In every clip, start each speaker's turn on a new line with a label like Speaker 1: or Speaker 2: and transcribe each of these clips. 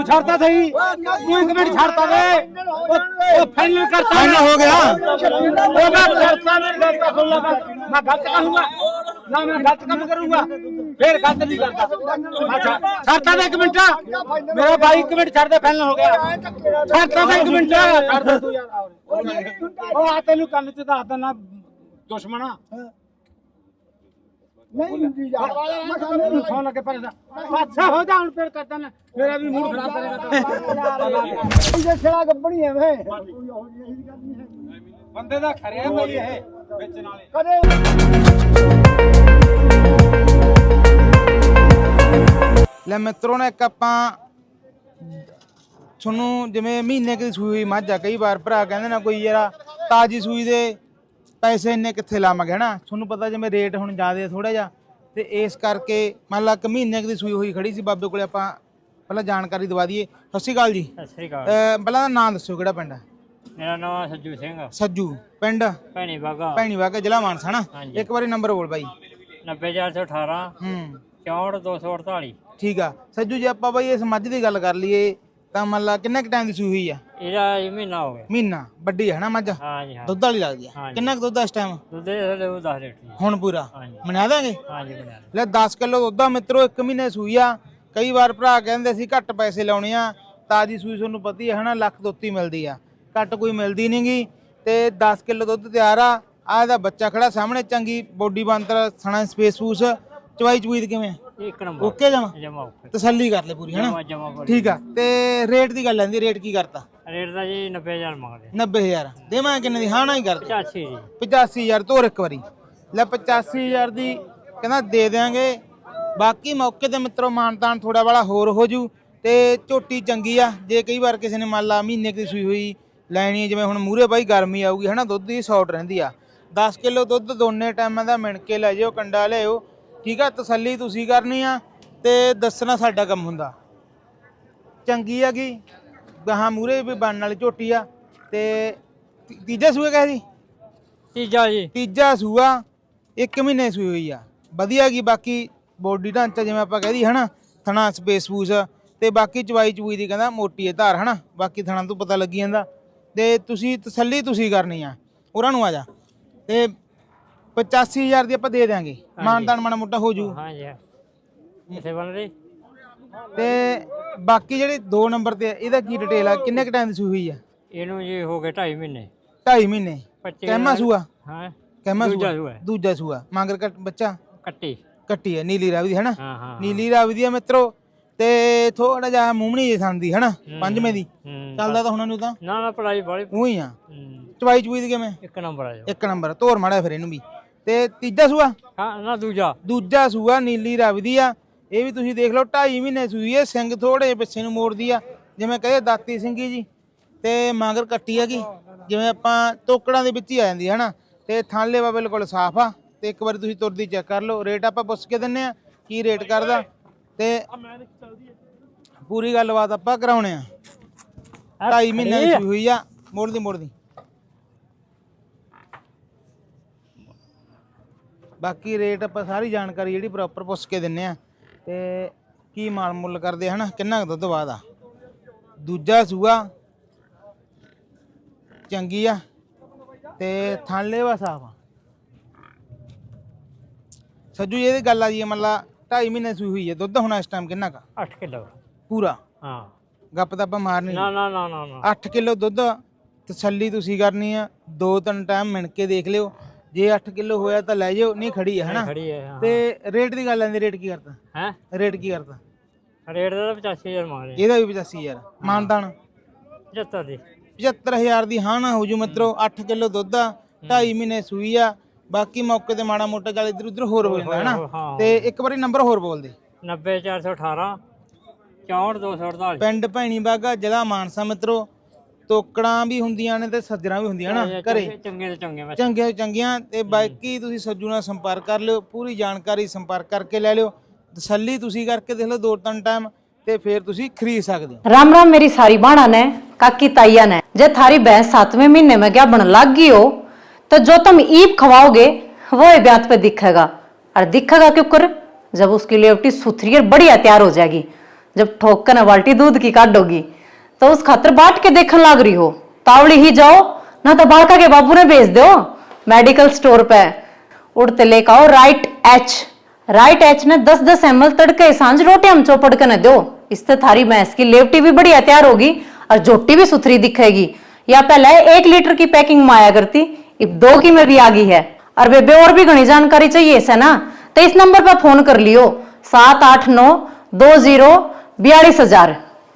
Speaker 1: छाड़ता सही तू एक मिनट छाड़ता वे वो फाइनल करता
Speaker 2: फाइनल हो गया।
Speaker 1: वो मैं करता नहीं करता सुन लो मैं गलत कहूंगा ना मैं गलत काम करूंगा फिर गलत नहीं करता अच्छा छाड़ता दे एक मिनट मेरा भाई एक मिनट छाड़ दे फाइनल हो गया छाड़ता दे एक मिनट छाड़ दे तू यार ओ आ तेनू कंन च दसदा ना दुश्मना नहीं फोन लगे पर अच्छा हो जा फिर करता ना मेरा भी मूड खराब करेगा
Speaker 3: ये खेला गब्बड़ी है वे
Speaker 1: ਬੰਦੇ ਦਾ ਖਰਿਆ ਬਈ ਇਹ ਵੇਚਣ ਵਾਲੇ
Speaker 3: ਕਦੇ
Speaker 2: ਲੈ ਮਿੱਤਰੋ ਨੇ ਇੱਕ ਆਪਾਂ ਤੁਹਾਨੂੰ ਜਿਵੇਂ ਮਹੀਨੇ ਦੀ ਸੂਈ ਹੋਈ ਮੱਝ ਆ ਕਈ ਵਾਰ ਭਰਾ ਕਹਿੰਦੇ ਨਾ ਕੋਈ ਯਾਰ ਤਾਜੀ ਸੂਈ ਦੇ ਪੈਸੇ ਇੰਨੇ ਕਿੱਥੇ ਲਾਵਾਂਗੇ ਹਨਾ ਤੁਹਾਨੂੰ ਪਤਾ ਜਿਵੇਂ ਰੇਟ ਹੁਣ ਜ਼ਿਆਦਾ ਥੋੜਾ ਜਿਹਾ ਤੇ ਇਸ ਕਰਕੇ ਮੰਨ ਲਾ ਕਿ ਮਹੀਨੇ ਦੀ ਸੂਈ ਹੋਈ ਖੜੀ ਸੀ ਬਾਬੇ ਕੋਲੇ ਆਪਾਂ ਪਹਿਲਾਂ ਜਾਣਕਾਰੀ ਦਵਾ ਦਈਏ। ਸਤਿ ਸ਼੍ਰੀ ਅਕਾਲ ਜੀ।
Speaker 4: ਸਤਿ ਸ੍ਰੀ ਅਕਾਲ।
Speaker 2: ਪਹਿਲਾਂ ਦਾ ਨਾਮ ਦੱਸੋ ਕਿਹੜਾ ਪਿੰਡ ਹੈ?
Speaker 4: ਮੇਰਾ ਨਾਮ ਸੱਜੂ ਸਿੰਘ।
Speaker 2: ਸੱਜੂ ਪਿੰਡ
Speaker 4: ਭੈਣੀ ਬਾਗਾ
Speaker 2: ਜ਼ਿਲ੍ਹਾ ਮਾਨਸਾ ਹਨਾ। ਇੱਕ ਵਾਰੀ ਨੰਬਰ ਬੋਲ ਬਾਈ।
Speaker 4: 90418 64 248।
Speaker 2: ਠੀਕ ਆ ਸੱਜੂ ਜੀ ਆਪਾਂ ਬਾਈ ਇਸ ਮੱਝ ਦੀ ਗੱਲ ਕਰ ਲਈਏ ਤਾਂ ਮੰਨ ਲਾ ਕਿੰਨਾ ਕੁ ਟਾਈਮ ਦੀ ਸੂਈ ਹੋਈ ਆ?
Speaker 4: ਇਹਦਾ ਮਹੀਨਾ ਹੋ ਗਿਆ।
Speaker 2: ਮਹੀਨਾ ਵੱਡੀ ਹੈ ਨਾ ਮੱਝ?
Speaker 4: ਹਾਂਜੀ ਹਾਂ।
Speaker 2: ਦੁੱਧ ਵਾਲੀ ਲੱਗਦੀ ਆ। ਕਿੰਨਾ ਕੁ ਦੁੱਧ ਆ ਇਸ ਟਾਈਮ?
Speaker 4: ਦੁੱਧ ਦੇ 10 ਲੀਟਰ
Speaker 2: ਹੁਣ ਪੂਰਾ ਮਨਾ ਦਾਂਗੇ?
Speaker 4: ਹਾਂਜੀ ਬਣਾ
Speaker 2: ਲੈ 10 ਕਿਲੋ ਦੁੱਧ ਆ ਮਿੱਤਰੋ। 1 ਮਹੀਨੇ ਸੂਈ ਆ। ਕਈ ਵਾਰ ਭਰਾ ਕਹਿੰਦੇ ਸੀ ਘੱਟ ਪੈਸੇ ਲਾਉਣੇ ਆ ਤਾਜੀ ਸੂਈ ਤੁਹਾਨੂੰ ਪਤਾ ਹੀ ਹੈ ਹਨਾ ਲੱਖ ਦੁੱਤੀ ਮਿਲਦੀ ਆ ਘੱਟ ਕੋਈ ਮਿਲਦੀ ਨਹੀਂਗੀ ਤੇ 10 ਕਿਲੋ ਦੁੱਧ ਤਿਆਰ ਆ। ਆ ਇਹਦਾ ਬੱਚਾ ਖੜਾ ਸਾਹਮਣੇ ਚੰਗੀ ਬੋਡੀ ਬਾਂਦਰ ਸਣਾ ਸਪੇਸ ਫੂਸ ਚਵਾਈ ਚੂਈ ਕਿਵੇਂ
Speaker 4: ਇੱਕ ਨੰਬਰ
Speaker 2: ਓਕੇ ਜਮਾ
Speaker 4: ਜਮਾ ਓਕੇ
Speaker 2: ਤਸੱਲੀ ਕਰ ਲੈ ਪੂਰੀ ਹਨਾ
Speaker 4: ਜਮਾ
Speaker 2: ਠੀਕ ਆ। ਤੇ ਰੇਟ ਦੀ ਗੱਲ ਆਂਦੀ ਰੇਟ ਕੀ ਕਰਤਾ?
Speaker 4: ਰੇਟ ਦਾ ਜੀ 90000 ਮੰਗਦੇ
Speaker 2: 90000 ਦੇਵਾਂ ਕਿੰਨੇ ਦੀ? ਹਾਂ ਨਾ ਹੀ ਕਰਦਾ
Speaker 4: 85 ਜੀ
Speaker 2: 85000 ਤੋਰ ਇੱਕ ਵਾਰੀ। ਲੈ 85000 ਦੀ ਕਹਿੰਦਾ ਦੇ ਦਿਆਂਗੇ। ਬਾਕੀ ਮੌਕੇ ਤੇ ਮਿੱਤਰੋ ਮਾਨਤਾਨ ਥੋੜਾ ਵਾਲਾ ਹੋਰ ਹੋ ਜੂ ਤੇ ਝੋਟੀ ਚੰਗੀ ਆ। ਜੇ ਕਈ ਵਾਰ ਕਿਸੇ ਨੇ ਮੰਨ ਲਾ ਮਹੀਨੇ ਦੀ ਸੂਈ ਹੋਈ ਲੈਣੀ ਜਿਵੇਂ ਹੁਣ ਮੂਹਰੇ ਬਾਈ ਗਰਮੀ ਆਊਗੀ ਹਨਾ ਦੁੱਧ ਦੀ ਸ਼ਾਰਟ ਰਹਿੰਦੀ ਆ। 10 ਕਿਲੋ ਦੁੱਧ ਦੋਨੇ ਟਾਈਮਾਂ ਦਾ ਮਿਣ ਕੇ ਲੈ ਜਿਓ ਕੰਡਾ ਲਿਆਓ ਠੀਕ ਆ। ਤਸੱਲੀ ਤੁਸੀਂ ਕਰਨੀ ਆ ਤੇ ਦੱਸਣਾ ਸਾਡਾ ਕੰਮ ਹੁੰਦਾ। ਚੰਗੀ ਆ ਗਈ ਗਾਹਾਂ ਮੂਹਰੇ ਵੀ ਬਣਨ ਵਾਲੀ ਝੋਟੀ ਆ। ਤੇ ਤੀਜਾ ਸੂਆ ਕਹੇ ਜੀ? ਤੀਜਾ ਸੂਆ 1 ਮਹੀਨੇ ਸੂਈ ਹੋਈ ਆ। ਵਧੀਆ ਗਈ ਬਾਕੀ ਬੋਡੀ ਢਾਂਚਾ ਜਿਵੇਂ ਆਪਾਂ ਕਹਿ ਦੀ ਹਨਾ ਥਣਾ ਸਪੇਸ ਫੂਸ ਤੇ ਬਾਕੀ ਚਵਾਈ ਚੂਈ ਦੀ ਕਹਿੰਦਾ ਮੋਟੀ ਹੈ ਧਾਰ ਹਨਾ ਬਾਕੀ ਥਣਾ ਤੋਂ ਪਤਾ ਲੱਗੀ ਜਾਂਦਾ। ਤੇ ਤੁਸੀਂ ਤਸੱਲੀ ਤੁਸੀਂ ਕਰਨੀ ਆ ਉਹਨਾਂ ਨੂੰ ਆ ਜਾ ਤੇ 85000 ਦੀ ਆਪਾਂ ਦੇ ਦਿਆਂਗੇ ਮਾਨਤਾਨ ਮਾੜਾ ਮੋਟਾ ਹੋ ਜੂ।
Speaker 4: ਹਾਂਜੀ ਇਸੇ ਬਣ ਰਹੀ
Speaker 2: ਤੇ ਬਾਕੀ ਜਿਹੜੇ 2 ਨੰਬਰ ਤੇ ਇਹਦਾ ਕੀ ਡਿਟੇਲ ਆ? ਕਿੰਨੇ ਕ ਟਾਈਮ ਦੀ ਸੂਈ ਹੋਈ ਆ?
Speaker 4: ਇਹਨੂੰ ਜੀ ਹੋ ਗਏ 2.5 ਮਹੀਨੇ
Speaker 2: 2.5 ਮਹੀਨੇ ਕਹਿਮਾ ਸੂਆ?
Speaker 4: ਹਾਂ
Speaker 2: ਕਹਿਮਾ
Speaker 4: ਦੂਜਾ
Speaker 2: ਸੂਆ ਦੂਜਾ ਸੂਆ ਮਾਂਗਰ ਕੱਟ ਬੱਚਾ ਕੱਟੀ ਹੈ ਨੀਲੀ ਰਾਵੀ ਦੀ ਹਨਾ।
Speaker 4: ਹਾਂ ਹਾਂ
Speaker 2: ਨੀਲੀ ਰਾਵੀ ਦੀ ਆ ਮਿੱਤਰੋ ਤੇ ਥੋੜਾ ਜਿਹਾ ਮੂੰਹਣੀ ਜੇ ਸੰਦੀ ਹਨਾ ਪੰਜਵੇਂ ਦੀ ਚੱਲਦਾ ਤਾਂ ਹੁਣ ਨੂੰ ਤਾਂ
Speaker 4: ਨਾ ਪੜਾਈ ਬਾਲੀ
Speaker 2: ਉਹੀ ਆ। ਚਵਾਈ ਚੂਈ ਦੀ ਕਿਵੇਂ?
Speaker 4: ਇੱਕ ਨੰਬਰ ਆ
Speaker 2: ਇੱਕ ਨੰਬਰ ਧੋਰ ਮਾੜਾ ਫਿਰ ਇਹਨੂੰ ਵੀ। ਤੇ ਤੀਜਾ ਸੂਆ?
Speaker 4: ਹਾਂ ਨਾ ਦੂਜਾ
Speaker 2: ਸੂਆ ਨੀਲੀ ਰਾਵੀ ਦੀ ਆ। ਇਹ ਵੀ ਤੁਸੀਂ ਦੇਖ ਲਓ 2.5 ਮਹੀਨੇ ਸੂਈ ਹੈ। ਸਿੰਘ ਥੋੜੇ ਪਿੱਛੇ ਨੂੰ ਮੋੜਦੀ ਆ ਜਿਵੇਂ ਕਹੇ ਦਾਤੀ ਸਿੰਘੀ ਜੀ ਤੇ ਮਾਂਗਰ ਕੱਟੀ ਹੈਗੀ ਜਿਵੇਂ ਆਪਾਂ ਤੋਕੜਾਂ ਦੇ ਵਿੱਚ ਹੀ ਆ ਜਾਂਦੀ ਹੈ ਹਨਾ। ਤੇ ਥਾਲੇ ਵਾ ਬਿਲਕੁਲ ਸਾਫ ਆ। ਤੇ ਇੱਕ ਵਾਰੀ ਤੁਸੀਂ ਤੁਰਦੀ ਚੈੱਕ ਕਰ ਲਓ। ਰੇਟ ਆਪਾਂ ਪੁੱਛ ਕੇ ਦਿੰਨੇ ਆ ਕੀ ਰੇਟ ਕਰਦਾ ਤੇ ਪੂਰੀ ਗੱਲਬਾਤ ਆਪਾਂ ਕਰਾਉਣੇ ਆ। 2.5 ਮਹੀਨੇ ਦੀ ਸੂਈ ਹੋਈ ਆ। ਮੋੜਦੀ ਬਾਕੀ ਰੇਟ ਆਪਾਂ ਸਾਰੀ ਜਾਣਕਾਰੀ ਜਿਹੜੀ ਪ੍ਰੋਪਰ ਪੁੱਛ ਕੇ ਦਿੰਨੇ ਆ ਤੇ ਕੀ ਮਾਲ ਮੁੱਲ ਕਰਦੇ ਹਨਾ ਕਿੰਨਾ ਕੁ ਦੁੱਧ ਬਾਅਦ ਆ। ਦੂਜਾ ਸੂਆ ਚੰਗੀ ਆ ਤੇ ਥਾਲੇ ਵਾ ਸਾਫ ਆ। ਸੱਜੂ ਜੀ ਇਹਦੀ ਗੱਲ ਆ ਜੀ ਮਤਲਬ 2.5 ਮਹੀਨੇ ਸੂਈ ਹੋਈ ਹੈ। ਦੁੱਧ ਹੁਣ ਇਸ ਟਾਈਮ ਕਿੰਨਾ ਕਾ?
Speaker 4: 8 ਕਿਲੋ
Speaker 2: ਪੂਰਾ?
Speaker 4: ਹਾਂ
Speaker 2: ਗੱਪ ਤਾਂ ਆਪਾਂ ਮਾਰਨੀ
Speaker 4: ਨਾ
Speaker 2: 8 ਕਿਲੋ ਦੁੱਧ ਤਸੱਲੀ ਤੁਸੀਂ ਕਰਨੀ ਆ। 2-3 ਟਾਈਮ ਮਿਣ ਕੇ ਦੇਖ ਲਿਓ ਜੇ 8 ਕਿਲੋ ਹੋਇਆ ਤਾਂ ਲੈ ਜਾਓ ਨਹੀਂ ਖੜੀ ਹੈ ਹਨਾ। ਤੇ ਰੇਟ ਦੀ ਗੱਲ ਆਂਦੀ ਰੇਟ ਕੀ ਕਰਤਾ
Speaker 4: ਹੈ?
Speaker 2: ਰੇਟ ਕੀ ਕਰਤਾ?
Speaker 4: ਰੇਟ ਦਾ 85000 ਮੰਗ ਰਹੇ।
Speaker 2: ਇਹਦਾ ਵੀ 85000 ਮਾਨਤਾਨ
Speaker 4: 75 ਦੀ
Speaker 2: 75000 ਦੀ ਹਾਂ ਨਾ ਹੋ ਜੂ ਮਿੱਤਰੋ। 8 ਕਿਲੋ ਦੁੱਧ ਆ 2.5 ਮਹੀਨੇ ਸੂਈ ਆ। ਬਾਕੀ ਮੌਕੇ ਤੇ ਮਾੜਾ ਮੋਟਾ ਚੱਲ ਇੱਧਰ ਉੱਧਰ ਹੋਰ ਹੋ ਜਾਂਦਾ ਹਨਾ। ਤੇ ਇੱਕ ਵਾਰੀ ਨੰਬਰ ਹੋਰ ਬੋਲ ਦੇ।
Speaker 4: 90418 64 248
Speaker 2: ਪਿੰਡ ਭੈਣੀ ਬਾਗਾ ਜ਼ਿਲ੍ਹਾ ਮਾਨਸਾ ਮਿੱਤਰੋ। ਤੋਕੜਾਂ ਵੀ ਹੁੰਦੀਆਂ ਨੇ ਤੇ ਸੱਜਰਾਂ ਵੀ ਹੁੰਦੀਆਂ ਨਾ ਘਰੇ ਚੰਗੇ ਚੰਗੀਆਂ ਤੇ ਬਾਕੀ ਤੁਸੀਂ ਸੱਜੂ ਨਾਲ ਸੰਪਰਕ ਕਰ ਲਿਓ। ਪੂਰੀ ਜਾਣਕਾਰੀ ਸੰਪਰਕ ਕਰਕੇ ਲੈ ਲਿਓ। ਤਸੱਲੀ ਤੁਸੀਂ ਕਰਕੇ ਦੇਖ ਲਓ 2-3 ਟਾਈਮ ਤੇ ਫਿਰ ਤੁਸੀਂ ਖਰੀद सकते हो।
Speaker 5: राम राम मेरी सारी बाणा ने काकी ताइया ने जे थारी भैंस 7वें महीने में क्या बन लग गई हो तो जो तुम ईप खवाओगे वो ब्यात पे दिखेगा। और दिखेगा क्यों कर जब उसकी लेवटी सुथरी और बढ़िया तैयार हो जाएगी जब ठोक कर न बाल्टी दूध की काटोगी तो उस खातर बाट के देखने लाग रही हो। तावड़ी ही जाओ ना तो बालका के बाबू ने भेज दो मेडिकल स्टोर पे। उड़ते लेकर आओ राइट एच ने 10-10 ml तड़के सांझ रोटी हम चौपड़ के न दो। इससे थारी भैंस की लेवटी भी बढ़िया तैयार होगी और जोटी भी सुथरी दिखेगी। या पहले 1 लीटर की पैकिंग में आया करती, अब 2 की में भी आ गई है। और बेबे और भी घनी जानकारी चाहिए इसे ना तो इस नंबर पर फोन कर लियो 7892042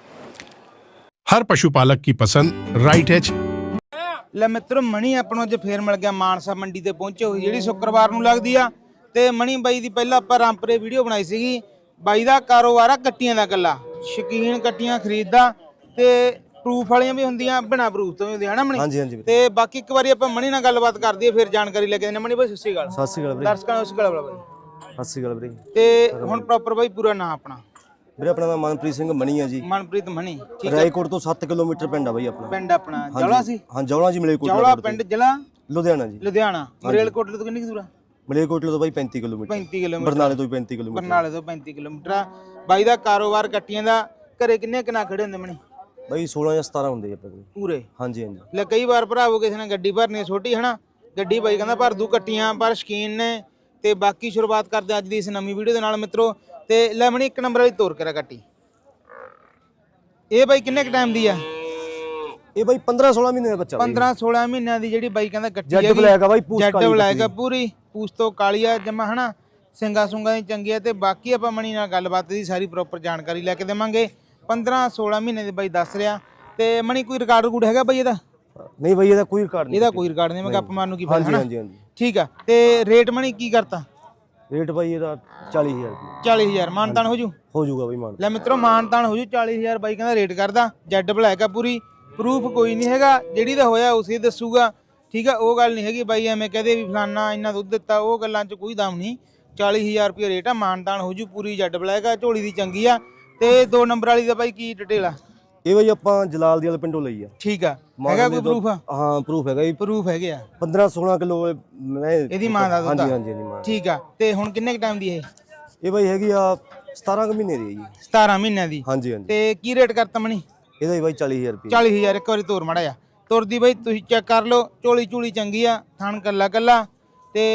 Speaker 3: हर पशुपालक की पसंद राइट एच।
Speaker 2: ਲੈ ਮਿੱਤਰੋ ਮਣੀ ਆਪਾਂ ਨੂੰ ਅੱਜ ਫੇਰ ਮਿਲ ਗਿਆ ਮਾਨਸਾ ਮੰਡੀ ਤੇ ਪਹੁੰਚੇ ਹੋਈ ਜਿਹੜੀ ਸ਼ੁੱਕਰਵਾਰ ਨੂੰ ਲੱਗਦੀ ਆ। ਤੇ ਮਣੀ ਬਾਈ ਦੀ ਪਹਿਲਾਂ ਆਪਾਂ ਰਾਮਪੁਰੇ ਵੀਡੀਓ ਬਣਾਈ ਸੀਗੀ। ਬਾਈ ਦਾ ਕਾਰੋਬਾਰ ਆ ਕੱਟੀਆਂ ਦਾ ਕੱਲਾ, ਸ਼ੌਕੀਨ ਕੱਟੀਆਂ ਖਰੀਦਦਾ ਤੇ ਪ੍ਰੂਫ ਵਾਲੀਆਂ ਵੀ ਹੁੰਦੀਆਂ, ਬਿਨਾ ਪ੍ਰੂਫ ਤੋਂ ਵੀ ਹੁੰਦੀਆਂ ਹਨਾ ਮਣੀ।
Speaker 6: ਹਾਂਜੀ ਹਾਂਜੀ
Speaker 2: ਤੇ ਬਾਕੀ ਇੱਕ ਵਾਰੀ ਆਪਾਂ ਮਣੀ ਨਾਲ ਗੱਲਬਾਤ ਕਰਦੇ ਆ ਫਿਰ ਜਾਣਕਾਰੀ ਲੈ ਕੇ ਆਉਂਦੇ। ਮਣੀ ਬਾਈ ਸਤਿ ਸ਼੍ਰੀ ਅਕਾਲ।
Speaker 6: ਸਤਿ ਸ਼੍ਰੀ ਅਕਾਲ ਵੀਰੇ।
Speaker 2: ਦਰਸ਼ਕਾਂ ਨੂੰ ਉਸ ਗੱਲ ਬਾਈ
Speaker 6: ਸਤਿ ਸ਼੍ਰੀ ਅਕਾਲ ਵੀਰੇ।
Speaker 2: ਤੇ ਹੁਣ ਪ੍ਰੋਪਰ ਬਾਈ ਪੂਰਾ ਨਾਂ ਆਪਣਾ?
Speaker 6: ਵੀਰੇ ਆਪਣਾ ਨਾਮ ਮਨਪ੍ਰੀਤ ਸਿੰਘ ਮਣੀ ਆ ਜੀ।
Speaker 2: ਮਨਪ੍ਰੀਤ ਮਣੀ, ਠੀਕ ਹੈ।
Speaker 6: ਰਾਏਕੋਟ ਤੋਂ 7 ਕਿਲੋਮੀਟਰ ਪਿੰਡ ਆ ਬਾਈ ਆਪਣਾ।
Speaker 2: ਪਿੰਡ ਆਪਣਾ ਜੌਲਾ ਸੀ?
Speaker 6: ਹਾਂ ਜੌਲਾ ਜੀ, ਮਲੇਰਕੋਟ
Speaker 2: ਜੌਲਾ ਪਿੰਡ, ਜ਼ਿਲ੍ਹਾ
Speaker 6: ਲੁਧਿਆਣਾ ਜੀ।
Speaker 2: ਲੁਧਿਆਣਾ। ਮਲੇਰਕੋਟ ਤੋਂ ਕਿੰਨੀ ਕੁ ਦੂਰ ਆ?
Speaker 6: ਮਲੇਰਕੋਟ ਤੋਂ ਬਾਈ 35 ਕਿਲੋਮੀਟਰ।
Speaker 2: 35 ਕਿਲੋਮੀਟਰ।
Speaker 6: ਬਰਨਾਲੇ ਤੋਂ 35 ਕਿਲੋਮੀਟਰ।
Speaker 2: ਬਰਨਾਲੇ ਤੋਂ 35 ਕਿਲੋਮੀਟਰ ਆ। ਬਾਈ ਦਾ ਕਾਰੋਬਾਰ ਕੱਟੀਆਂ ਦਾ। ਘਰੇ ਕਿੰਨੇ ਕਿਨਾ ਖੜੇ ਹੁੰਦੇ ਮਣੀ?
Speaker 6: ਬਾਈ 16 ਜਾਂ 17 ਹੁੰਦੇ ਆਪਣੇ ਕੋਲ
Speaker 2: ਪੂਰੇ?
Speaker 6: ਹਾਂਜੀ ਹਾਂਜੀ।
Speaker 2: ਲੈ ਕਈ ਵਾਰ ਭਰਾਵੋ ਕਿਸੇ ਨੇ ਗੱਡੀ ਭਰਨੀ ਛੋਟੀ ਹਨਾ, ਗੱਡੀ ਬਾਈ ਕਹਿੰਦਾ ਭਰ ਦੂ ਕੱਟੀਆਂ, ਪਰ ਸ਼ਕੀਨ ਨੇ। ਤੇ ਬਾਕੀ ਸ਼ੁਰੂਆਤ ਕਰਦੇ ਅੱਜ ਦੀ ਇਸ ਨਵੀਂ ਵੀਡੀਓ ਦੇ ਨਾਲ ਮਿੱਤਰੋ। ਤੇ ਲੈ ਮਣੀ 1 ਨੰਬਰ ਵਾਲੀ ਤੋਰ ਕਰਾ ਕੱਟੀ। ਇਹ ਬਾਈ ਕਿੰਨੇ ਕ ਟਾਈਮ ਦੀ ਆ?
Speaker 6: ਇਹ ਬਾਈ 15-16 ਮਹੀਨੇ ਦਾ ਬੱਚਾ।
Speaker 2: 15-16 ਮਹੀਨਿਆਂ ਦੀ ਜਿਹੜੀ ਬਾਈ ਕਹਿੰਦਾ ਕੱਟੀ
Speaker 6: ਜੱਟ ਬਲੈਕ ਆ ਬਾਈ, ਪੂਛ ਕਾਲੀ।
Speaker 2: ਜੱਟ ਬਲੈਕ ਆ ਪੂਰੀ, ਪੂਛ ਤੋਂ ਕਾਲੀ ਆ ਜਮਾ ਹਨਾ, ਸਿੰਗਾ ਸੁੰਗਾ ਦੀ ਚੰਗੀ ਆ। ਤੇ ਬਾਕੀ ਆਪਾਂ ਮਣੀ ਨਾਲ ਗੱਲਬਾਤ ਦੀ ਸਾਰੀ ਪ੍ਰੋਪਰ ਜਾਣਕਾਰੀ ਲੈ ਕੇ ਦੇਵਾਂਗੇ। 15-16 ਮਹੀਨੇ ਦੀ ਬਾਈ ਦੱਸ ਰਿਹਾ। ਤੇ ਮਣੀ ਕੋਈ ਰਿਕਾਰਡ ਰੂਡ ਹੈਗਾ ਬਾਈ ਇਹਦਾ?
Speaker 6: ਨਹੀਂ ਬਾਈ ਇਹਦਾ ਕੋਈ ਰਿਕਾਰਡ ਨਹੀਂ।
Speaker 2: ਇਹਦਾ ਕੋਈ ਰਿਕਾਰਡ ਨਹੀਂ, ਮੈਂ ਗੱਪ ਮਾਰਨ ਨੂੰ ਕੀ
Speaker 6: ਹਾਂਜੀ
Speaker 2: ਫਾਇਦਾ।
Speaker 6: ਹਾਂਜੀ ਹਾਂਜੀ।
Speaker 2: ਠੀਕ ਆ। ਤੇ ਰੇਟ ਮਣੀ ਕੀ ਕਰਤਾ?
Speaker 6: ਰੇਟ ਬਾਈ ਇਹਦਾ 40000 ਰੁਪਏ।
Speaker 2: 40000 ਮਾਨਤਾਨ ਹੋ ਜੂ?
Speaker 6: ਹੋ ਜਾਊਗਾ ਬਾਈ ਮਾਨ।
Speaker 2: ਲੈ ਮਿੱਤਰੋ ਮਾਨਤਾਨ ਹੋ ਜੂ। 40000 ਬਾਈ ਕਹਿੰਦਾ ਰੇਟ ਕਰਦਾ। ਜੈਡ ਬਲੈਕ ਆ ਪੂਰੀ, ਪ੍ਰੂਫ ਕੋਈ ਨਹੀਂ ਹੈਗਾ, ਜਿਹੜੀ ਦਾ ਹੋਇਆ ਉਸੇ ਦੱਸੂਗਾ। ਠੀਕ ਆ, ਉਹ ਗੱਲ ਨਹੀਂ ਹੈਗੀ ਬਾਈ ਐਵੇਂ ਕਹਦੇ ਵੀ ਫਲਾਨਾ ਇੰਨਾ ਦੁੱਧ ਦਿੱਤਾ, ਉਹ ਗੱਲਾਂ 'ਚ ਕੋਈ ਦਮ ਨਹੀਂ। 40000 ਰੁਪਏ ਰੇਟ ਆ, ਮਾਨਤਾਨ ਹੋ ਜੂ। ਪੂਰੀ ਜੈਡ ਬਲੈਕ ਆ, ਝੋਲੀ ਦੀ ਚੰਗੀ ਆ। ਤੇ 2 ਨੰਬਰ ਵਾਲੀ ਦਾ ਬਾਈ ਕੀ ਡਿਟੇਲ ਆ?
Speaker 6: ਇਹ ਬਾਈ ਆਪਾਂ ਜਲਾਲ ਦੀ ਵਾਲੇ ਪਿੰਡੋਂ ਲਈ ਆ।
Speaker 2: ਠੀਕ ਆ, ਹੈਗਾ ਕੋਈ ਪ੍ਰੂਫ?
Speaker 6: ਹਾਂ ਪ੍ਰੂਫ ਹੈਗਾ ਜੀ।
Speaker 2: ਪ੍ਰੂਫ ਹੈਗੇ ਆ।
Speaker 6: 15-16 ਕਿਲੋ ਮੈਂ
Speaker 2: ਇਹਦੀ ਮਾਂ ਦਾ ਦੁੱਧ?
Speaker 6: ਹਾਂਜੀ ਹਾਂਜੀ ਹਾਂਜੀ ਮਾਂ।
Speaker 2: ਠੀਕ ਆ। ਤੇ ਹੁਣ ਕਿੰਨੇ ਕ ਟਾਈਮ ਦੀ ਇਹ
Speaker 6: ਬਾਈ ਹੈਗੀ ਆ 17 ਕੁ ਮਹੀਨੇ ਦੀ ਹੈ ਜੀ।
Speaker 2: 17 ਮਹੀਨਿਆਂ ਦੀ?
Speaker 6: ਹਾਂਜੀ ਹਾਂਜੀ।
Speaker 2: ਤੇ ਕੀ ਰੇਟ ਕਰਤਾ ਮਣੀ
Speaker 6: ਇਹਦਾ ਹੀ ਬਾਈ 40000 ਰੁਪਏ।
Speaker 2: 40000। ਇੱਕ ਵਾਰੀ ਤੋਰ ਮੜਾ ਜਾ ਤੁਰਦੀ ਬਾਈ, ਤੁਸੀਂ ਚੈੱਕ ਕਰ ਲਓ। ਝੋਲੀ ਝੂਲੀ ਚੰਗੀ ਆ, ਥਣ ਕੱਲਾ ਕੱਲਾ। ਤੇ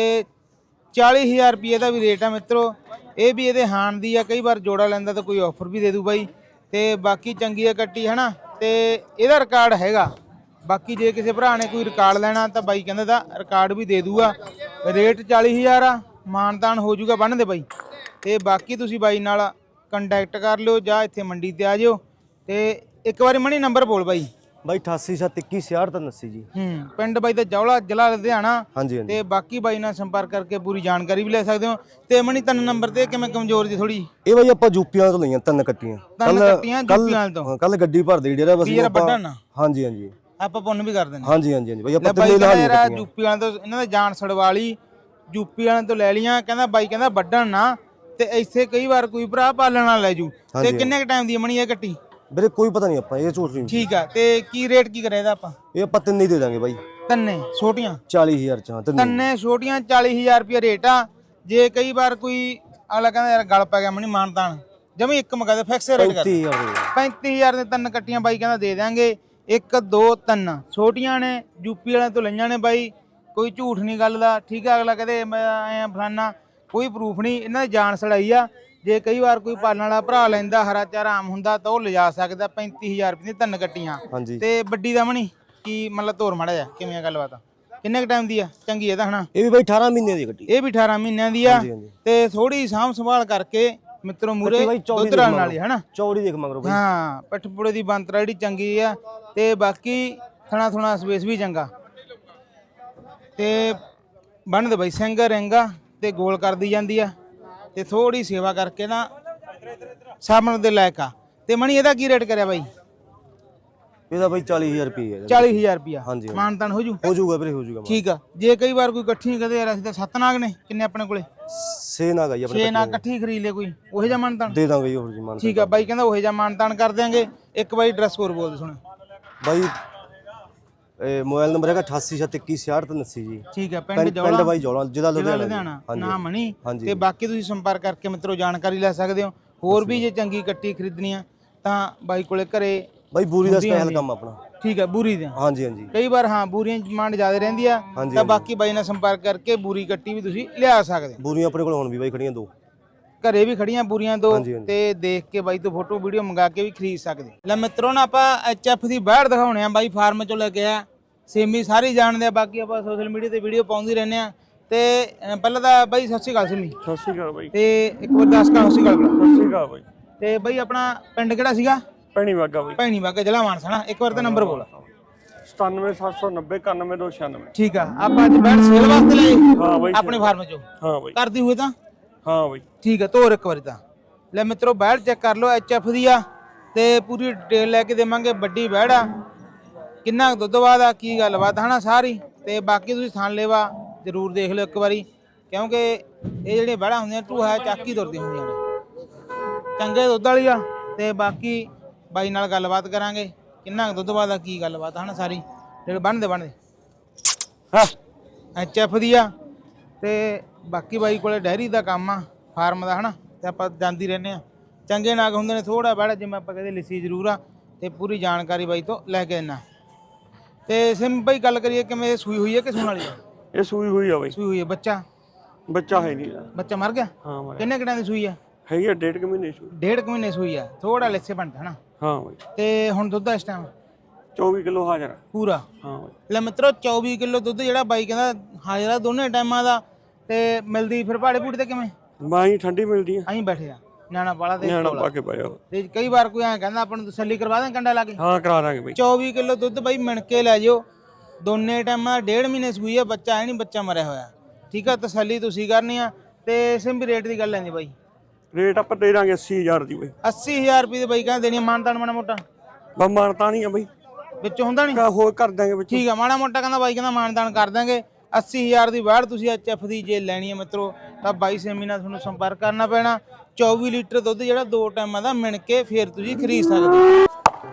Speaker 2: 40000 ਰੁਪਏ ਦਾ ਵੀ ਰੇਟ ਆ ਮਿੱਤਰੋ। ਇਹ ਵੀ ਇਹਦੇ ਹਾਣ ਦੀ ਆ, ਕਈ ਵਾਰ ਜੋੜਾ ਲੈਂਦਾ ਤਾਂ ਕੋਈ ਆਫਰ ਵੀ ਦੇ ਦੂ ਬਾਈ। ਤੇ ਬਾਕੀ ਚੰਗੀ ਆ ਕੱਟੀ ਹਨਾ। ਤੇ ਇਹਦਾ ਰਿਕਾਰਡ ਹੈਗਾ। ਬਾਕੀ ਜੇ ਕਿਸੇ ਭਰਾ ਨੇ ਕੋਈ ਰਿਕਾਰਡ ਲੈਣਾ ਤਾਂ ਬਾਈ ਕਹਿੰਦਾ ਤਾਂ ਰਿਕਾਰਡ ਵੀ ਦੇ ਦੂਗਾ। ਰੇਟ 40000 ਆ, ਮਾਨਤਾਨ ਹੋ ਜਾਊਗਾ ਬੰਨ ਦੇ ਬਾਈ। ਤੇ ਬਾਕੀ ਤੁਸੀਂ ਬਾਈ ਨਾਲ ਕੰਟੈਕਟ ਕਰ ਲਿਓ ਜਾਂ ਇੱਥੇ ਮੰਡੀ ਤੇ ਆ ਜਿਓ। ਤੇ ਇੱਕ ਵਾਰੀ ਮਣੀ ਨੰਬਰ ਬੋਲ ਬਾਈ।
Speaker 6: ਬਾਈ 8871216389 ਜੀ।
Speaker 2: ਪਿੰਡ ਬਾਈ ਦਾ ਜੌਲਾ, ਜ਼ਿਲ੍ਹਾ ਲੁਧਿਆਣਾ।
Speaker 6: ਹਾਂਜੀ ਹਾਂਜੀ।
Speaker 2: ਤੇ ਬਾਕੀ ਬਾਈ ਨਾਲ ਸੰਪਰਕ ਕਰਕੇ ਪੂਰੀ ਜਾਣਕਾਰੀ ਵੀ ਲੈ ਸਕਦੇ ਹੋ। ਤੇ ਮਣੀ 3 ਨੰਬਰ ਤੇ ਕਿਵੇਂ ਕਮਜ਼ੋਰ ਜੀ ਥੋੜੀ?
Speaker 6: ਇਹ ਬਾਈ ਆਪਾਂ ਯੂਪੀਆਂ ਤੋਂ ਲਈਆਂ 3 ਕੱਟੀਆਂ।
Speaker 2: 3 ਕੱਟੀਆਂ ਯੂਪੀਆਂ ਤੋਂ?
Speaker 6: ਕੱਲ ਗੱਡੀ ਭਰਦੇ ਜਿਹੜਾ ਬਸ
Speaker 2: ਵੱਡਾ ਨਾ।
Speaker 6: ਹਾਂਜੀ ਹਾਂਜੀ।
Speaker 2: ਆਪਾਂ ਪੁੰਨ ਵੀ ਕਰ ਦਿੰਦੇ।
Speaker 6: ਹਾਂਜੀ ਹਾਂਜੀ ਹਾਂਜੀ ਬਾਈ ਆਪਾਂ
Speaker 2: ਬਾਈ
Speaker 6: ਤਿੰਨੇ
Speaker 2: ਕਹਿੰਦਾ
Speaker 6: ਲਾਹ
Speaker 2: ਯੂਪੀ ਵਾਲਿਆਂ ਤੋਂ ਇਹਨਾਂ ਦਾ ਜਾਨ ਛੜਵਾਲੀ, ਯੂਪੀ ਵਾਲਿਆਂ ਤੋਂ ਲੈ ਲੀਆਂ। ਕਹਿੰਦਾ ਬਾਈ ਕਹਿੰਦਾ ਵੱਢਣ ਨਾ ਤੇ ਇੱਥੇ ਕਈ ਵਾਰ ਕੋਈ ਭਰਾ ਪਾਲਣ ਨਾਲ ਲੈ ਜੂ। ਤੇ ਕਿੰਨੇ ਕ ਟਾਈਮ ਦੀ ਮਣੀ ਇਹ ਕੱਟੀ?
Speaker 6: ਵੀਰੇ ਕੋਈ ਪਤਾ ਨਹੀਂ, ਆਪਾਂ ਇਹ ਝੂਠ ਨਹੀਂ।
Speaker 2: ਠੀਕ ਆ। ਤੇ ਕੀ ਰੇਟ ਕੀ ਕਰਿਆ ਇਹਦਾ ਆਪਾਂ?
Speaker 6: ਇਹ ਆਪਾਂ ਤਿੰਨੇ ਹੀ ਦੇ ਦਾਂਗੇ ਬਾਈ।
Speaker 2: ਤੰਨੇ ਛੋਟੀਆਂ
Speaker 6: 40000 ਚ? ਹਾਂ
Speaker 2: ਤੰਨੇ ਛੋਟੀਆਂ 40000 ਰੁਪਏ ਰੇਟ ਆ। ਜੇ ਕਈ ਵਾਰ ਕੋਈ ਅਗਲਾ ਕਹਿੰਦਾ ਯਾਰ ਗਲ ਪੈ ਗਿਆ ਮਣੀ ਮਾਨਤਾਨ ਜਮੀ ਇੱਕ ਮਗਾ ਦੇ ਫਿਕਸ ਰੇਟ ਕਰ 35000 ਦੇ 3 ਕੱਟੀਆਂ ਬਾਈ ਕਹਿੰਦਾ ਦੇ ਦਿਆਂਗੇ। 1 2 3 ਛੋਟੀਆਂ ਨੇ, ਯੂਪੀ ਵਾਲਿਆਂ ਤੋਂ ਲਈਆਂ ਨੇ ਬਾਈ। ਕੋਈ ਝੂਠ ਨਹੀਂ ਗੱਲ ਦਾ। ਠੀਕ ਆ, ਅਗਲਾ ਕਹਦੇ ਐ ਫਲਾਨਾ, ਕੋਈ ਪ੍ਰੂਫ ਨਹੀਂ। ਇਹਨਾਂ ਦੀ ਜਾਨ ਸੜਾਈ ਆ। ਜੇ ਕਈ ਵਾਰ ਕੋਈ ਪਾਲਣ ਵਾਲਾ ਭਰਾ ਲੈਂਦਾ, ਹਰਾ ਚਾਰਾ ਆਮ ਹੁੰਦਾ ਤਾਂ ਉਹ ਲਿਜਾ ਸਕਦਾ। 35000 ਰੁਪਏ ਦੀ 3 ਕੱਟੀਆਂ। ਤੇ ਵੱਡੀ ਦਾ ਮਣੀ ਕੀ ਮਤਲਬ ਤੋਰ ਮੜਾ ਜਾ ਕਿਵੇਂ ਆ ਗੱਲਬਾਤ? ਕਿੰਨੇ ਕ ਟਾਈਮ ਦੀ ਆ? ਚੰਗੀ ਇਹਦਾ ਹਨਾ?
Speaker 6: ਇਹ ਵੀ ਬਾਈ 18 ਮਹੀਨੇ ਦੀ ਕੱਟੀ।
Speaker 2: ਇਹ ਵੀ 18 ਮਹੀਨਿਆਂ ਦੀ ਆ। ਤੇ ਥੋੜੀ ਸਾਂਭ ਸੰਭਾਲ ਕਰਕੇ ਮਿੱਤਰੋ ਮੂਰੇ ਦੁੱਧ ਰਲਣ ਵਾਲੀ ਹਨਾ।
Speaker 6: ਚੌੜੀ ਦੇਖ ਮਗਰੋਂ ਬਾਈ।
Speaker 2: ਹਾਂ, ਪੱਠਪੁੜੇ ਦੀ ਬੰਤਰਾ ਜਿਹੜੀ ਚੰਗੀ ਆ। ਤੇ ਬਾਕੀ ਥਣਾ ਥੁਣਾ ਸਪੇਸ ਵੀ ਚੰਗਾ। ਤੇ ਬੰਨ ਦੇ ਬਾਈ ਸਿੰਘ ਰਿੰਗਾ ਤੇ ਗੋਲ ਕਰਦੀ ਜਾਂਦੀ ਆ। ਤੇ ਥੋੜੀ ਸੇਵਾ ਕਰਕੇ ਨਾ ਸਾਹਮਣੇ ਦੇ ਲਾਇਕ ਆ। ਤੇ ਮਣੀ ਇਹਦਾ ਕੀ ਰੇਟ ਕਰਿਆ ਬਾਈ?
Speaker 6: ਇਹਦਾ ਬਾਈ 40000 ਰੁਪਏ ਹੈ।
Speaker 2: 40000 ਰੁਪਿਆ
Speaker 6: ਹਾਂਜੀ।
Speaker 2: ਮਾਨਤਾਨ ਹੋ ਜੂ?
Speaker 6: ਹੋ ਜਾਊਗਾ ਵੀਰੇ, ਹੋ ਜਾਊਗਾ।
Speaker 2: ਠੀਕ ਆ। ਜੇ ਕਈ ਵਾਰ ਕੋਈ ਇਕੱਠੀ ਕਹਦੇ ਯਾਰ ਅਸੀਂ ਤਾਂ 7 ਨਾਗ ਨੇ, ਕਿੰਨੇ ਆਪਣੇ ਕੋਲੇ?
Speaker 6: 6 ਨਾਗ ਆਈ ਆਪਣੇ
Speaker 2: 6 ਨਾਗ ਇਕੱਠੀ ਖਰੀਦ ਲੈ ਕੋਈ, ਉਹੇ ਜਿਹਾ ਮਾਨਤਾਨ
Speaker 6: ਦੇ ਦਾਂਗੇ ਜੀ। ਹੋਰ ਜੀ ਮਾਨ।
Speaker 2: ਠੀਕ ਆ ਬਾਈ ਕਹਿੰਦਾ ਉਹੇ ਜਿਹਾ ਮਾਨਤਾਨ ਕਰ ਦਿਆਂਗੇ। ਇੱਕ ਬਾਈ ਐਡਰੈਸ ਹੋਰ ਬੋਲ ਦੇ ਸੁਣ
Speaker 6: ਬਾਈ। ਮੋਬਾਈਲ ਨੰਬਰ ਹੈਗਾ 8871216389 ਜੀ।
Speaker 2: ਠੀਕ ਹੈ। ਪਿੰਡ
Speaker 6: ਪਿੰਡ ਬਾਈ ਜੌਲਾ, ਜ਼ਿਲ੍ਹਾ ਲੁਧਿਆਣਾ।
Speaker 2: ਨਾ ਮਣੀ। ਤੇ ਬਾਕੀ ਤੁਸੀਂ ਸੰਪਰਕ ਕਰਕੇ ਮਿੱਤਰੋ ਜਾਣਕਾਰੀ ਲੈ ਸਕਦੇ ਹੋ। ਹੋਰ ਵੀ ਜੇ ਚੰਗੀ ਕੱਟੀ ਖਰੀਦਣੀ ਆ ਤਾਂ ਬਾਈ ਕੋਲੇ ਘਰੇ
Speaker 6: ਬਾਈ ਬੂਰੀ ਦਾ ਸਪੈਸ਼ਲ ਕੰਮ ਆਪਣਾ।
Speaker 2: ਠੀਕ ਹੈ, ਬੂਰੀ ਦੇ
Speaker 6: ਹਾਂਜੀ ਹਾਂਜੀ
Speaker 2: ਕਈ ਵਾਰ ਹਾਂ ਬੂਰੀਆਂ ਦੀ ਡਿਮਾਂਡ ਜ਼ਿਆਦਾ ਰਹਿੰਦੀ ਆ
Speaker 6: ਹਾਂਜੀ,
Speaker 2: ਤਾਂ ਬਾਕੀ ਬਾਈ ਨਾਲ ਸੰਪਰਕ ਕਰਕੇ ਬੂਰੀ ਕੱਟੀ ਵੀ ਤੁਸੀਂ ਲਿਆ ਸਕਦੇ ਹੋ।
Speaker 6: ਬੂਰੀਆਂ ਆਪਣੇ ਕੋਲ ਹੁਣ ਵੀ ਬਾਈ ਖੜੀਆਂ 2
Speaker 2: ਘਰੇ ਵੀ ਖੜੀਆਂ ਬੂਰੀਆਂ 2
Speaker 6: ਹਾਂਜੀ, ਹਾਂਜੀ।
Speaker 2: ਤੇ ਦੇਖ ਕੇ ਬਾਈ ਤੋਂ ਫੋਟੋ ਵੀਡੀਓ ਮੰਗਾ ਕੇ ਵੀ ਖਰੀਦ ਸਕਦੇ। ਲੈ ਮਿੱਤਰੋ ਨਾ ਆਪਾਂ ਐਚਐਫ ਦੀ ਬਾਹਰ ਦਿਖਾਉਣੇ ਆ ਬਾਈ ਫਾਰਮ ਚੋਂ ਲੈ ਕੇ ਆ। ਸੇਮੀ ਸਾਰੇ ਜਾਣਦੇ ਆ, ਬਾਕੀ ਆਪਾਂ ਸੋਸ਼ਲ ਮੀਡੀਆ ਤੇ ਵੀਡੀਓ ਪਾਉਂਦੇ ਰਹਿੰਦੇ ਆ। ਤੇ ਪਹਿਲਾਂ ਤਾਂ ਬਾਈ ਸਤਿ ਸ਼੍ਰੀ ਅਕਾਲ ਸੇਮੀ।
Speaker 7: ਸਤਿ ਸ਼੍ਰੀ ਅਕਾਲ ਬਾਈ।
Speaker 2: ਤੇ ਇੱਕ ਵਾਰ ਦੱਸ ਕਾ ਸਤਿ ਸ਼੍ਰੀ ਅਕਾਲ।
Speaker 7: ਸਤਿ ਸ਼੍ਰੀ ਅਕਾਲ ਬਾਈ।
Speaker 2: ਤੇ ਬਾਈ ਆਪਣਾ ਪਿੰਡ ਕਿਹੜਾ ਸੀਗਾ?
Speaker 7: ਭੈਣੀ ਵਾਗਾ ਬਾਈ।
Speaker 2: ਭੈਣੀ ਵਾਗਾ, ਜ਼ਿਲ੍ਹਾ ਮਾਨਸਾ ਨਾ। ਇੱਕ ਵਾਰ ਤਾਂ ਨੰਬਰ ਬੋਲ।
Speaker 7: 97790 91296।
Speaker 2: ਠੀਕ ਆ, ਆਪਾਂ ਅੱਜ ਬੈਠ ਸੇਲ ਵਾਸਤੇ ਲਏ
Speaker 7: ਹਾਂ ਬਾਈ
Speaker 2: ਆਪਣੇ ਫਾਰਮ ਚੋਂ।
Speaker 7: ਹਾਂ ਬਾਈ।
Speaker 2: ਕਰਦੀ ਹੋਏ ਤਾਂ
Speaker 7: ਹਾਂ ਬਾਈ।
Speaker 2: ਠੀਕ ਆ, ਤੋਰ ਇੱਕ ਵਾਰੀ ਤਾਂ। ਲੈ ਮਿੱਤਰੋ ਬੈਠ ਚੈੱਕ ਕਰ ਲਓ, ਐਚਐਫ ਦੀ ਆ ਤੇ ਪੂਰੀ ਡਿਟੇਲ ਲੈ ਕੇ ਦੇਵਾਂਗੇ। ਵੱਡੀ ਬੈੜ ਆ, ਕਿੰਨਾ ਦੁੱਧ ਬਾਅਦ ਆ, ਕੀ ਗੱਲਬਾਤ ਹਨਾ ਸਾਰੀ। ਤੇ ਬਾਕੀ ਤੁਸੀਂ ਥਣ ਲੇਵਾ ਜ਼ਰੂਰ ਦੇਖ ਲਿਓ ਇੱਕ ਵਾਰੀ, ਕਿਉਂਕਿ ਇਹ ਜਿਹੜੀਆਂ ਬੈੜਾਂ ਹੁੰਦੀਆਂ ਢੂਹਾ ਚੱਕੀ ਤੁਰਦੀਆਂ ਹੁੰਦੀਆਂ ਨੇ। ਚੰਗੇ ਦੁੱਧ ਵਾਲੀ ਆ ਤੇ ਬਾਕੀ ਬਾਈ ਨਾਲ ਗੱਲਬਾਤ ਕਰਾਂਗੇ, ਕਿੰਨਾ ਦੁੱਧ ਬਾਅਦ ਆ, ਕੀ ਗੱਲਬਾਤ ਹਨਾ ਸਾਰੀ। ਜਿਹੜੇ ਬਣਦੇ ਹਾਂ ਐਚਐਫ ਦੀ ਆ। ਤੇ ਬਾਕੀ ਬਾਈ ਕੋਲੇ ਡੈਰੀ ਦਾ ਕੰਮ ਆ, ਫਾਰਮ ਦਾ ਹਨਾ, ਤੇ ਆਪਾਂ ਜਾਂਦੀ ਰਹਿੰਦੇ ਆ। ਚੰਗੇ ਨਾਗ ਹੁੰਦੇ ਨੇ, ਥੋੜਾ ਬੜਾ ਜਿਵੇਂ ਆਪਾਂ ਕਹਿੰਦੇ ਲਿੱਸੀ ਜ਼ਰੂਰ ਆ। ਤੇ ਪੂਰੀ ਜਾਣਕਾਰੀ ਬਾਈ ਤੋਂ ਲੈ ਕੇ ਦਿੰਨਾ। ਤੇ ਸਿਮ ਬਾਈ ਗੱਲ ਕਰੀਏ ਕਿਵੇਂ ਸੂਈ ਹੋਈ ਹੈ ਕਿ ਸੂਣ ਵਾਲੀ ਆ?
Speaker 7: ਇਹ ਸੂਈ ਹੋਈ ਆ ਬਾਈ।
Speaker 2: ਸੂਈ ਹੋਈ ਹੈ। ਬੱਚਾ
Speaker 7: ਬੱਚਾ ਹੈ ਨਹੀਂ।
Speaker 2: ਬੱਚਾ ਮਰ ਗਿਆ?
Speaker 7: ਹਾਂ ਬਾਈ।
Speaker 2: ਕਿੰਨੇ ਘੰਟਿਆਂ ਦੀ ਸੂਈ ਆ?
Speaker 7: ਹੈਗੀ ਆ 1.5 ਮਹੀਨੇ ਸੂਈ।
Speaker 2: 1.5 ਮਹੀਨੇ ਸੂਈ ਆ, ਥੋੜਾ ਲਿੱਸੇ ਬਣਦਾ ਹਨਾ।
Speaker 7: ਹਾਂ ਬਾਈ।
Speaker 2: ਤੇ ਹੁਣ ਦੁੱਧ ਇਸ ਟਾਈਮ
Speaker 7: 24 ਕਿਲੋ ਹਾਜ਼ਰ।
Speaker 2: ਪੂਰਾ?
Speaker 7: ਹਾਂ ਬਾਈ।
Speaker 2: ਲੈ ਮਿੱਤਰੋ 24 ਕਿਲੋ ਦੁੱਧ ਜਿਹੜਾ ਬਾਈ ਕਹਿੰਦਾ ਹਾਜ਼ਰ ਆ ਦੋਨੇ ਟਾਈਮਾਂ ਦਾ। ਤੇ ਮਿਲਦੀ ਫਿਰ ਭਾੜੇ ਭੂੜੇ ਤੇ ਕਿਵੇਂ?
Speaker 7: ਬਾਈ ਠੰਡੀ ਮਿਲਦੀ ਆ।
Speaker 2: ਅਸੀਂ ਬੈਠੇ ਆ ਨਿਆਣਾ ਵਾਲਾ ਤੇ
Speaker 7: ਨਿਆਣਾ ਪਾ ਕੇ ਪਾਇਆ।
Speaker 2: ਤੇ ਕਈ ਵਾਰ ਕੋਈ ਐਂ ਕਹਿੰਦਾ ਆਪਾਂ ਨੂੰ ਤਸੱਲੀ ਕਰਵਾ ਦੇ ਕੰਡਾ ਲਾ ਕੇ।
Speaker 7: ਹਾਂ ਕਰਾ ਦਾਂਗੇ ਬਾਈ।
Speaker 2: 24 ਕਿਲੋ ਦੁੱਧ ਬਾਈ ਮਿਣ ਕੇ ਲੈ ਜਿਓ। ਦੋਨੇ ਟਾਈਮਾਂ 1.5 ਮਹੀਨੇ ਸੂਈ ਆ, ਬੱਚਾ ਹੈ ਨਹੀਂ, ਬੱਚਾ ਮਰਿਆ ਹੋਇਆ। ਠੀਕ ਆ, ਤਸੱਲੀ ਤੁਸੀਂ ਕਰਨੀ ਆ। ਤੇ ਸਿੰਬੀ ਰੇਟ ਦੀ ਗੱਲ ਲੈਂਦੀ ਬਾਈ।
Speaker 7: ਰੇਟ ਆਪਾਂ ਦੇ ਦਾਂਗੇ 80000 ਦੀ ਬਾਈ।
Speaker 2: 80000 ਰੁਪਏ ਦੇ ਬਾਈ ਕਹਿੰਦੇ ਦੇਣੀ ਮਾਨਤਾਨ ਮਾੜਾ ਮੋਟਾ
Speaker 7: ਬਾ ਮਾਨਤਾ ਨਹੀਂ ਆ ਬਾਈ,
Speaker 2: ਵਿੱਚੋਂ ਹੁੰਦਾ ਨਹੀਂ?
Speaker 7: ਹੋਰ ਕਰ ਦਾਂਗੇ ਵਿੱਚ।
Speaker 2: ਠੀਕ ਆ, ਮਾੜਾ ਮੋਟਾ ਕਹਿੰਦਾ ਬਾਈ, ਕਹਿੰਦਾ ਮਾਨਤਾਨ ਕਰ ਦਾਂਗੇ। 80000 ਦੀ ਬਾੜ ਤੁਸੀਂ ਐਚਐਫ ਦੀ ਜੇ ਲੈਣੀ ਹੈ ਮਿੱਤਰੋ ਤਾਂ ਬਾਈ ਸੇਮੀ ਨਾਲ ਤੁਹਾਨੂੰ ਸੰਪਰਕ ਕਰਨਾ ਪੈਣਾ। 24 ਲੀਟਰ ਦੁੱਧ ਜਿਹੜਾ 2 ਟਾਈਮਾਂ ਦਾ ਮਿਣ ਕੇ ਫਿਰ ਤੁਸੀਂ ਖਰੀਦ ਸਕਦੇ ਹੋ।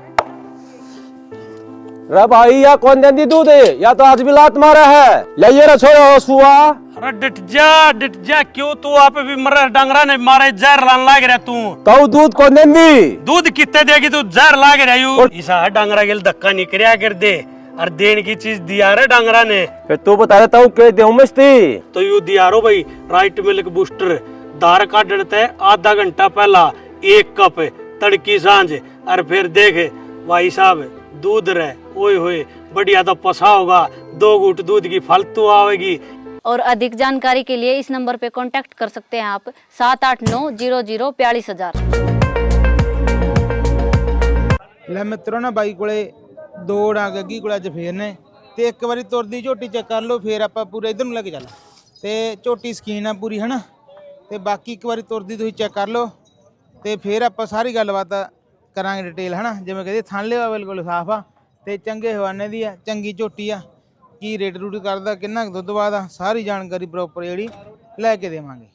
Speaker 8: रे भाई या कौन देंदी दूध है या तो आज भी लात मारा है ले ये छोड़ो सुआ।
Speaker 9: अरे डिट जा क्यों तू आप भी मर डंगरा ने मारे जहर लान लाग रहा तू।
Speaker 8: तो दूध कौन देंदी?
Speaker 9: दूध कितने देगी तू जहर लाग रहा यू। इसा है डंगरा के धक्का निकरिया कर दे और देन की चीज दिया रे डंगरा ने।
Speaker 8: फिर तू बता रहा हूँ के देऊं मस्ती
Speaker 9: तो यू दिया रो भाई राइट मिल्क बूस्टर दार का डरते आधा घंटा पहला 1 कप तड़की सांझ और फिर देख भाई साहब दूध रहे ओए होए बढ़िया तो पसा होगा। 2 घूंट दूध की फालतू आवेगी।
Speaker 10: और अधिक जानकारी के लिए इस नंबर पे कांटेक्ट कर सकते हैं आप 7890042000।
Speaker 2: ਲੈ ਮਿੱਤਰੋ ਨਾ ਬਾਈ ਕੋਲੇ 2 ਡਾਂਗ ਅੱਗੀ ਕੋਲ ਅੱਜ ਫੇਰ ਨੇ। ਤੇ ਇੱਕ ਵਾਰੀ ਤੁਰਦੀ ਝੋਟੀ ਚੈੱਕ ਕਰ ਲਓ, ਫੇਰ ਆਪਾਂ ਪੂਰੇ ਇਧਰ ਨੂੰ ਲੈ ਕੇ ਚੱਲ। ਤੇ ਝੋਟੀ ਸਕੀਨ ਆ ਪੂਰੀ ਹਨਾ। ਤੇ ਬਾਕੀ ਇੱਕ ਵਾਰੀ ਤੁਰਦੀ ਤੁਸੀਂ ਚੈੱਕ ਕਰ ਲਓ ਤੇ ਫੇਰ ਆਪਾਂ ਸਾਰੀ ਗੱਲਬਾਤ ਕਰਾਂਗੇ ਡਿਟੇਲ ਹਨਾ। ਜਿਵੇਂ ਕਹਿੰਦੇ ਥਣ ਲਿਆ ਬਿਲਕੁਲ ਸਾਫ ਆ ਤੇ ਚੰਗੇ ਹਵਾਨੇ ਦੀ ਆ, ਚੰਗੀ ਝੋਟੀ ਆ। ਕੀ ਰੇਟ ਰੂਟ ਕਰਦਾ, ਕਿੰਨਾ ਕੁ ਦੁੱਧ ਬਾਅਦ ਆ, ਸਾਰੀ ਜਾਣਕਾਰੀ ਪ੍ਰੋਪਰ ਜਿਹੜੀ ਲੈ ਕੇ ਦੇਵਾਂਗੇ।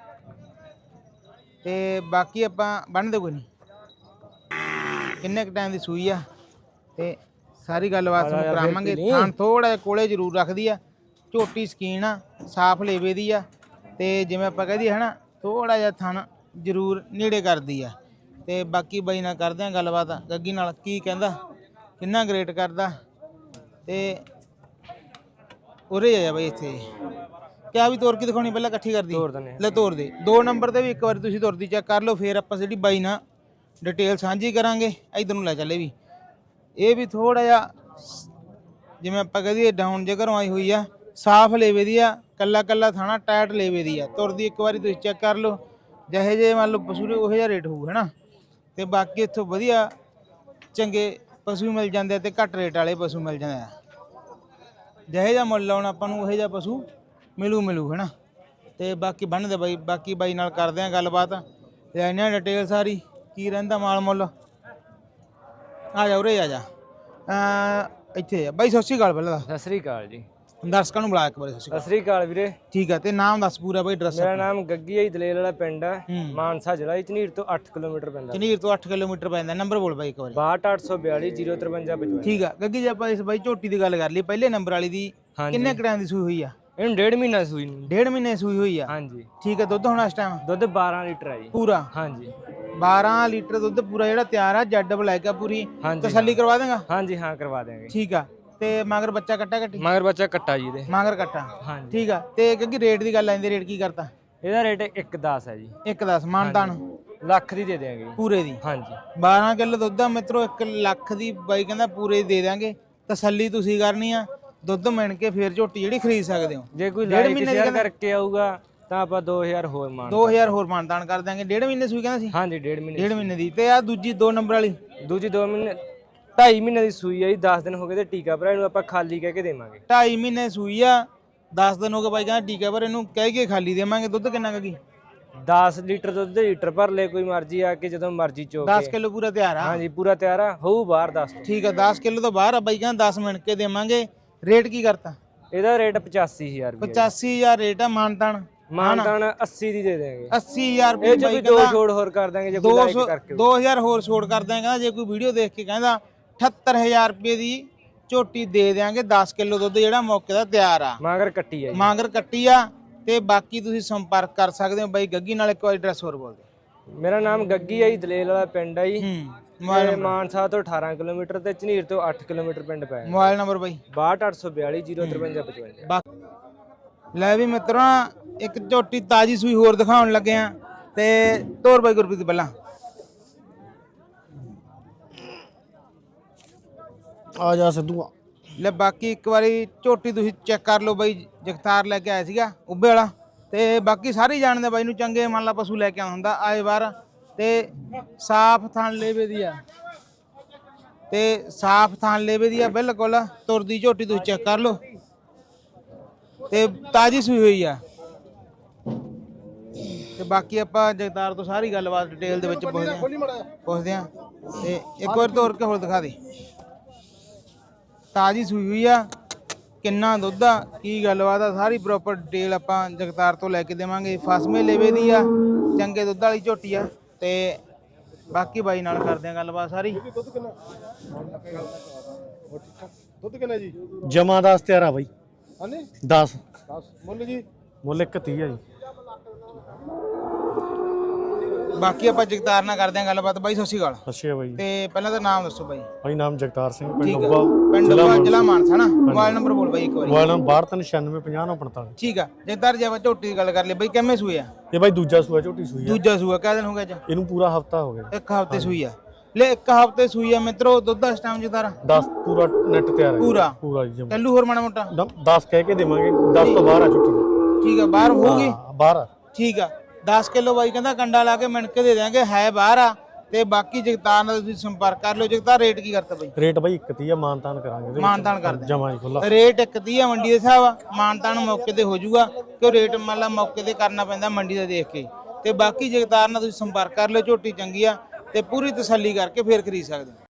Speaker 2: ਤੇ ਬਾਕੀ ਆਪਾਂ ਬੰਨਦੇ ਕੋਈ ਨਹੀਂ, ਕਿੰਨੇ ਕੁ ਟਾਈਮ ਦੀ ਸੂਈ ਆ ਤੇ ਸਾਰੀ ਗੱਲਬਾਤ ਤੁਹਾਨੂੰ ਕਰਾਵਾਂਗੇ। ਥਣ ਥੋੜਾ ਜਿਹਾ ਕੋਲੇ ਜ਼ਰੂਰ ਰੱਖਦੀ ਆ, ਝੋਟੀ ਸਕੀਨ ਆ, ਸਾਫ ਲੇਵੇ ਦੀ ਆ। ਤੇ ਜਿਵੇਂ ਆਪਾਂ ਕਹਦੀ ਹਨਾ ਥੋੜਾ ਜਿਹਾ ਥਣ ਜ਼ਰੂਰ ਨੇੜੇ ਕਰਦੀ ਆ। ਤੇ ਬਾਕੀ ਬਾਈ ਨਾਲ ਕਰਦੇ ਆ ਗੱਲਬਾਤ ਗੱਗੀ ਨਾਲ, ਕੀ ਕਹਿੰਦਾ, ਕਿੰਨਾ ਗ੍ਰੇਟ ਕਰਦਾ। ਤੇ ਉਰੇ ਆ ਬਾਈ ਇੱਥੇ ਕਿਆ ਵੀ ਤੋਰ ਕੇ ਦਿਖਾਉਣੀ, ਪਹਿਲਾਂ ਇਕੱਠੀ ਕਰਦੀ ਲੈ ਤੋਰ ਦੇ। 2 ਨੰਬਰ ਤੇ ਵੀ ਇੱਕ ਵਾਰੀ ਤੁਸੀਂ ਤੁਰਦੀ ਚੈੱਕ ਕਰ ਲਓ, ਫਿਰ ਆਪਾਂ ਜਿਹੜੀ ਬਾਈ ਨਾਲ ਡਿਟੇਲ ਸਾਂਝੀ ਕਰਾਂਗੇ। ਇਧਰ ਨੂੰ ਲੈ ਚੱਲੇ ਵੀ, ਇਹ ਵੀ ਥੋੜਾ ਜਿਹਾ ਜਿਵੇਂ ਆਪਾਂ ਕਹਦੀਏ ਡਾਊਨ ਜੇ ਘਰੋਂ ਆਈ ਹੋਈ ਆ, ਸਾਫ ਲੇਵੇ ਦੀ ਆ, ਕੱਲਾ ਕੱਲਾ ਥਾਣਾ ਟਾਇਟ ਲੇਵੇ ਦੀ ਆ। ਤੁਰਦੀ ਇੱਕ ਵਾਰੀ ਤੁਸੀਂ ਚੈੱਕ ਕਰ ਲਓ, ਜਿਹੇ ਜੇ ਮੰਨ ਲਓ ਪਸ਼ੂ ਦੇ ਉਹੋ ਜਿਹਾ ਰੇਟ ਹੋਊ ਹੈ ਨਾ। ਤੇ ਬਾਕੀ ਇੱਥੋਂ ਵਧੀਆ ਚੰਗੇ ਪਸ਼ੂ ਮਿਲ ਜਾਂਦੇ ਤੇ ਘੱਟ ਰੇਟ ਵਾਲੇ ਪਸ਼ੂ ਮਿਲ ਜਾਂਦੇ ਆ। ਜਿਹੇ ਜਿਹਾ ਮੁੱਲ ਲਾਉਣਾ ਆਪਾਂ ਨੂੰ ਉਹੋ ਜਿਹਾ ਪਸ਼ੂ ਮਿਲੂ ਹੈ ਨਾ। ਤੇ ਬਾਕੀ ਬੰਨਦੇ ਬਾਈ, ਬਾਕੀ ਬਾਈ ਨਾਲ ਕਰਦੇ ਆ ਗੱਲਬਾਤ, ਲੈਣੇ ਡਿਟੇਲ ਸਾਰੀ, ਕੀ ਰਹਿੰਦਾ ਮਾਲ ਮੁੱਲ। ਆ ਜਾ ਉਰੇ ਆ ਜਾ, ਇੱਥੇ ਆ ਬਾਈ। ਸਤਿ ਸ਼੍ਰੀ ਅਕਾਲ ਪਹਿਲਾਂ।
Speaker 8: सत श्री अकाल जी।
Speaker 2: ਦਰਸ਼ਕਾਂ ਨੂੰ ਬੁਲਾ ਇੱਕ ਵਾਰੀ। ਸਤਿ
Speaker 8: सत श्री अकाल ਵੀਰੇ।
Speaker 2: ਠੀਕ ਆ, ਤੇ ਨਾਮ ਦੱਸ ਪੂਰਾ ਬਾਈ, ਐਡਰੈਸ।
Speaker 8: ਮੇਰਾ ਨਾਮ ਗੱਗੀ ਹੈ, ਦਲੇਲ ਵਾਲਾ ਪਿੰਡ ਹੈ, ਮਾਨਸਾ ਜ਼ਿਲ੍ਹਾ, ਝਨੀਰ ਤੋਂ 8 ਕਿਲੋਮੀਟਰ ਪੈਂਦਾ।
Speaker 2: ਝਨੀਰ ਤੋਂ 8 ਕਿਲੋਮੀਟਰ ਪੈਂਦਾ। ਨੰਬਰ ਬੋਲ ਬਾਈ ਇੱਕ ਵਾਰੀ।
Speaker 8: 62842 05355।
Speaker 2: ਠੀਕ ਆ ਗੱਗੀ, ਜੇ ਆਪਾਂ ਇਸ ਬਾਈ ਝੋਟੀ ਦੀ ਗੱਲ ਕਰ ਲਈ ਪਹਿਲੇ ਨੰਬਰ ਵਾਲੀ ਦੀ, ਕਿੰਨੇ ਘੰਟਿਆਂ ਦੀ ਸੂਈ ਹੋਈ ਆ?
Speaker 8: ਇਹਨੂੰ 1.5 ਮਹੀਨਾ ਸੂਈ ਨੂੰ।
Speaker 2: 1.5 ਮਹੀਨੇ ਸੂਈ ਹੋਈ ਆ।
Speaker 8: ਹਾਂਜੀ।
Speaker 2: ਠੀਕ ਆ, ਦੁੱਧ ਹੁਣ ਇਸ ਟਾਈਮ
Speaker 8: ਦੁੱਧ 12 ਲੀਟਰ ਹੈ ਜੀ
Speaker 2: ਪੂਰਾ?
Speaker 8: ਹਾਂਜੀ।
Speaker 2: 12 ਲੀਟਰ ਦੁੱਧ ਪੂਰਾ ਜਿਹੜਾ ਤਿਆਰ ਆ ਜੈਡ ਬਲੈਕ ਆ ਪੂਰੀ
Speaker 8: ਹਾਂਜੀ,
Speaker 2: ਤਸੱਲੀ ਕਰਵਾ ਦੇਗਾ?
Speaker 8: ਹਾਂਜੀ ਹਾਂ ਕਰਵਾ ਦੇਵਾਂਗੇ।
Speaker 2: ਠੀਕ ਆ। ਤੇ ਮਗਰ ਬੱਚਾ ਕੱਟਾ ਕੱਟੀ?
Speaker 8: ਮਗਰ ਬੱਚਾ ਕੱਟਾ ਜੀ ਇਹਦੇ।
Speaker 2: ਮਗਰ ਕੱਟਾ,
Speaker 8: ਹਾਂਜੀ
Speaker 2: ਠੀਕ ਆ। ਤੇ ਕਿਉਂਕਿ ਰੇਟ ਦੀ ਗੱਲ ਆਂਦੀ, ਰੇਟ ਕੀ ਕਰਤਾ?
Speaker 8: ਇਹਦਾ ਰੇਟ 1.10 ਹੈ ਜੀ।
Speaker 2: 1.10 ਮਾਨਤਾਨ
Speaker 8: ਲੱਖ ਦੀ ਦੇ ਦੇਵਾਂਗੇ
Speaker 2: ਪੂਰੇ ਦੀ।
Speaker 8: ਹਾਂਜੀ
Speaker 2: 12 ਕਿਲੋ ਦੁੱਧ ਆ ਮਿੱਤਰੋ, 1 ਲੱਖ ਦੀ ਬਾਈ ਕਹਿੰਦਾ ਪੂਰੇ ਦੇ ਦਾਂਗੇ। ਤਸੱਲੀ ਤੁਸੀਂ ਕਰਨੀ ਆ, ਦੁੱਧ ਮਿਣ ਕੇ ਫੇਰ ਝੋਟੀ ਜਿਹੜੀ ਖਰੀਦ ਸਕਦੇ ਹੋ।
Speaker 8: ਜੇ ਕੋਈ
Speaker 2: ਡੇਢ
Speaker 8: ਲਾਈਕ
Speaker 2: ਮਹੀਨੇ
Speaker 8: ਸ਼ੇਅਰ
Speaker 2: ਦੀ
Speaker 8: ਕਰਕੇ ਆਊਗਾ ਤਾਂ ਆਪਾਂ 2000 ਹੋਰ ਮਾਨ
Speaker 2: 2000 ਹੋਰ ਮਾਨਤਾਨ ਕਰ ਦਾਂਗੇ। 1.5 ਮਹੀਨੇ ਸੂਈ ਕਹਿੰਦਾ ਸੀ?
Speaker 8: ਹਾਂਜੀ 1.5 ਮਹੀਨੇ
Speaker 2: 1.5 ਮਹੀਨੇ ਦੀ। ਤੇ ਆ ਦੂਜੀ 2 ਨੰਬਰ ਵਾਲੀ
Speaker 8: ਦੂਜੀ 2 ਮਹੀਨੇ 2.5 ਮਹੀਨੇ ਦੀ ਸੂਈ ਆ ਜੀ। 10 ਦਿਨ ਹੋ ਗਏ ਤੇ ਟੀਕਾ ਭਰਾ ਇਹਨੂੰ ਆਪਾਂ ਖਾਲੀ ਕਹਿ ਕੇ ਦੇਵਾਂਗੇ।
Speaker 2: 2.5 ਮਹੀਨੇ ਸੂਈ ਆ, 10 ਦਿਨ ਹੋ ਗਏ ਬਾਈ ਕਹਿੰਦਾ ਟੀਕਾ ਪਰ ਇਹਨੂੰ ਕਹਿ ਕੇ ਖਾਲੀ ਦੇਵਾਂਗੇ। ਦੁੱਧ ਕਿੰਨਾ ਕਗੀ?
Speaker 8: 10 ਲੀਟਰ ਦੁੱਧ ਦੇ ਲੀਟਰ ਭਰ ਲੈ, ਕੋਈ ਮਰਜ਼ੀ ਆ ਕੇ ਜਦੋਂ ਮਰਜ਼ੀ ਚੋ
Speaker 2: 10 ਕਿਲੋ ਪੂਰਾ ਤਿਆਰ ਆ?
Speaker 8: ਹਾਂਜੀ ਪੂਰਾ ਤਿਆਰ ਆ, ਹੋਊ ਬਾਹਰ 10 ਤੋਂ।
Speaker 2: ਠੀਕ ਆ, 10 ਕਿਲੋ ਤੋਂ ਬਾਹਰ ਆ ਬਾਈ ਕਹਿੰਦਾ 10 ਮਿੰਟ ਕੇ ਦੇਵਾਂਗੇ। ਰੇਟ ਕੀ ਕਰਤਾ?
Speaker 8: ਇਹਦਾ ਰੇਟ 85000 ਰੁਪਏ।
Speaker 2: 85000 ਰੇਟ ਆ। ਮਾਨਤਾਨ?
Speaker 8: ਮਾਨਤਾਨ 80 ਦੀ ਦੇ ਦੇਵਾਂਗੇ।
Speaker 2: 80000 ਰੁਪਏ
Speaker 8: ਇਹ ਚ ਵੀ 2 ਛੋੜ ਹੋਰ ਕਰ ਦਾਂਗੇ ਜੇ ਕੋਈ ਲਾਈਕ ਕਰਕੇ।
Speaker 2: 2000 ਹੋਰ ਛੋੜ ਕਰ ਦਾਂਗੇ। ਕਹਿੰਦਾ ਜੇ ਕੋਈ ਵੀਡੀਓ ਦੇਖ ਕੇ ਕਹਿੰਦਾ 78000 ਰੁਪਏ ਦੀ ਝੋਟੀ ਦੇ ਦੇਾਂਗੇ। 10 ਕਿਲੋ ਦੁੱਧ ਜਿਹੜਾ ਮੌਕੇ ਦਾ ਤਿਆਰ ਆ।
Speaker 8: ਮਾਂਗਰ ਕੱਟੀ ਆ ਜੀ।
Speaker 2: ਮਾਂਗਰ ਕੱਟੀ ਆ। ਤੇ ਬਾਕੀ ਤੁਸੀਂ ਸੰਪਰਕ ਕਰ ਸਕਦੇ ਹੋ ਬਾਈ ਗੱਗੀ ਨਾਲ। ਇੱਕ ਵਾਰੀ ਐਡਰੈਸ ਹੋਰ ਬੋਲ ਦਿਓ।
Speaker 8: ਮੇਰਾ ਨਾਮ ਗੱਗੀ ਆ ਜੀ, ਦਲੇਲ ਵਾਲਾ ਪਿੰਡ ਆ ਜੀ।
Speaker 2: ਮੋਬਾਈਲ
Speaker 8: ਤੇ ਮਾਨਸਾ ਤੋਂ 18 ਕਿਲੋਮੀਟਰ ਤੇ ਝਨੀਰ ਤੋਂ 8 ਕਿਲੋਮੀਟਰ ਪਿੰਡ ਪੈ ਜਾਂਦਾ।
Speaker 2: ਮੋਬਾਈਲ ਨੰਬਰ ਬਾਈ?
Speaker 8: 6282 05355।
Speaker 2: ਲੈ ਵੀ ਮਿੱਤਰਾਂ, ਇੱਕ ਝੋਟੀ ਤਾਜੀ ਸੂਈ ਹੋਰ ਦਿਖਾਉਣ ਲੱਗੇ ਆ। ਤੇ ਤੋਰ ਬਾਈ ਗੁਰਪ੍ਰੀਤ ਪਹਿਲਾਂ
Speaker 6: ਆ ਜਾ ਸਿੱਧੂ।
Speaker 2: ਲੈ ਬਾਕੀ ਇੱਕ ਵਾਰੀ ਝੋਟੀ ਤੁਸੀਂ ਚੈੱਕ ਕਰ ਲਓ ਬਾਈ। ਜਗਤਾਰ ਲੈ ਕੇ ਆਇਆ ਸੀਗਾ ਉੱਬੇ ਵਾਲਾ। ਤੇ ਬਾਕੀ ਸਾਰੇ ਜਾਣਦੇ ਬਾਈ ਨੂੰ, ਚੰਗੇ ਮੰਨ ਲਾ ਪਸ਼ੂ ਲੈ ਕੇ ਆਉਂਦਾ ਹੁੰਦਾ ਆਏ ਵਾਰ। ਤੇ ਸਾਫ ਥਣ ਲੇਵੇ ਦੀ ਆ, ਤੇ ਸਾਫ ਥਣ ਲੇਵੇ ਦੀ ਆ ਬਿਲਕੁਲ। ਤੁਰਦੀ ਝੋਟੀ ਤੁਸੀਂ ਚੈੱਕ ਕਰ ਲਓ। ਤੇ ਤਾਜੀ ਸੂਈ ਹੋਈ ਆ। ਤੇ ਬਾਕੀ ਆਪਾਂ ਜਗਤਾਰ ਤੋਂ ਸਾਰੀ ਗੱਲਬਾਤ ਡਿਟੇਲ ਦੇ ਵਿੱਚ ਪੁੱਛਦੇ ਆ। ਤੇ ਇੱਕ ਵਾਰ ਤੋਰ ਕੇ ਹੋਰ ਦਿਖਾ ਦੇ। ਤਾਜੀ ਸੂਈ ਹੋਈ ਆ, ਕਿੰਨਾ ਦੁੱਧ ਆ, ਕੀ ਗੱਲਬਾਤ ਆ, ਸਾਰੀ ਪ੍ਰੋਪਰ ਡਿਟੇਲ ਆਪਾਂ ਜਗਤਾਰ ਤੋਂ ਲੈ ਕੇ ਦੇਵਾਂਗੇ। ਫਸਵੇਂ ਲੇਵੇ ਦੀ ਆ, ਚੰਗੇ ਦੁੱਧ ਵਾਲੀ ਝੋਟੀ ਆ। ਤੇ ਬਾਕੀ ਬਾਈ ਨਾਲ ਕਰਦੇ ਆ ਗੱਲਬਾਤ ਸਾਰੀ।
Speaker 6: ਦੁੱਧ ਕਿੰਨਾ ਜੀ? ਜਮਾ 10 ਤਿਆਰ ਆ ਬਾਈ। ਹਾਂਜੀ 10 ਮੁੱਲ ਜੀ? ਮੁੱਲ 130 ਆ ਜੀ।
Speaker 2: ਬਾਕੀ ਆਪਾਂ ਜਗਤਾਰ ਨਾਲ ਕਰਦੇ ਆ ਗੱਲਬਾਤ। ਬਾਈ ਸਤਿ ਸ਼੍ਰੀ ਅਕਾਲ।
Speaker 6: ਅੱਛਾ ਬਾਈ।
Speaker 2: ਤੇ ਪਹਿਲਾਂ ਤਾਂ ਨਾਮ ਦੱਸੋ ਬਾਈ।
Speaker 6: ਬਾਈ ਨਾਮ ਜਗਤਾਰ ਸਿੰਘ,
Speaker 2: ਠੀਕ
Speaker 6: ਪਿੰਡ
Speaker 2: ਆ,
Speaker 6: ਉੱਬਾ,
Speaker 2: ਪਿੰਡ ਉੱਬਾ, ਜ਼ਿਲ੍ਹਾ ਮਾਨਸਾ ਨਾ। ਮੋਬਾਈਲ ਨੰਬਰ ਬੋਲ ਬਾਈ ਇੱਕ ਵਾਰੀ।
Speaker 6: Mobile number 6296504945।
Speaker 2: ਠੀਕ ਆ। ਜਗਤਾਰ ਜੇ ਆਪਾਂ ਝੋਟੀ ਦੀ ਗੱਲ ਕਰ ਲਈ ਬਾਈ, ਕਿੰਨੇ ਸੂਏ ਆ?
Speaker 6: ਇਹ ਬਾਈ ਦੂਜਾ ਸੂਆ ਝੋਟੀ ਸੂਈ ਆ।
Speaker 2: ਦੂਜਾ ਸੂਆ। ਕਿੰਨੇ ਦਿਨ ਹੋ ਗਏ ਅੱਜ?
Speaker 6: ਇਹਨੂੰ ਪੂਰਾ ਹਫਤਾ ਹੋ ਗਿਆ।
Speaker 2: 1 ਹਫ਼ਤੇ ਸੂਈ ਆ। ਲੈ 1 ਹਫ਼ਤੇ ਸੂਈ ਆ ਮਿੱਤਰੋ। ਦੁੱਧ ਇਸ ਟਾਈਮ ਜਗਤਾਰ
Speaker 6: 10 ਪੂਰਾ ਨੈਟ ਤਿਆਰ ਹੈ।
Speaker 2: ਪੂਰਾ
Speaker 6: ਜੀ ਜਮਾ।
Speaker 2: ਕੱਲੂ ਹੋਰ ਮਾੜਾ ਮੋਟਾ
Speaker 6: 10 ਕਹਿ ਕੇ ਦੇਵਾਂਗੇ। 10 ਤੋਂ ਬਾਹਰ ਆ ਝੋਟੀ ਦੀ।
Speaker 2: ਠੀਕ ਆ, ਬਾਹਰ ਹੋਊਗੀ?
Speaker 6: ਬਾਹਰ ਆ।
Speaker 2: ਠੀਕ ਆ। 10 ਕਿਲੋ ਬਾਈ ਕਹਿੰਦਾ ਕੰਡਾ ਲਾ ਕੇ ਮਿਣ ਕੇ ਦੇ ਦਿਆਂਗੇ, ਹੈ ਬਾਹਰ ਆ। ਤੇ ਬਾਕੀ ਜਗਤਾਰ ਨਾਲ ਤੁਸੀਂ ਸੰਪਰਕ ਕਰ ਲਿਓ। ਜਗਤਾਰ ਰੇਟ ਕੀ ਕਰਤਾ ਬਾਈ?
Speaker 6: ਰੇਟ ਬਾਈ 130 ਆ, ਮਾਨਤਾਨ ਕਰਾਂਗੇ।
Speaker 2: ਮਾਨਤਾਨ ਕਰਦੇ
Speaker 6: ਜਮਾ ਹੀ ਖੁੱਲਾ
Speaker 2: ਰੇਟ 130 ਆ ਮੰਡੀ ਦੇ ਹਿਸਾਬ ਆ। ਮਾਨਤਾਨ ਮੌਕੇ ਤੇ ਹੋ ਜਾਊਗਾ, ਕਿਉਂ ਰੇਟ ਮੰਨ ਲਾ ਮੌਕੇ ਤੇ ਕਰਨਾ ਪੈਂਦਾ ਮੰਡੀ ਦਾ ਦੇਖ ਕੇ। ਤੇ ਬਾਕੀ ਜਗਤਾਰ ਨਾਲ ਤੁਸੀਂ ਸੰਪਰਕ ਕਰ ਲਿਓ। ਝੋਟੀ ਚੰਗੀ ਆ ਤੇ ਪੂਰੀ ਤਸੱਲੀ ਕਰਕੇ ਫੇਰ ਖਰੀਦ ਸਕਦੇ ਹੋ।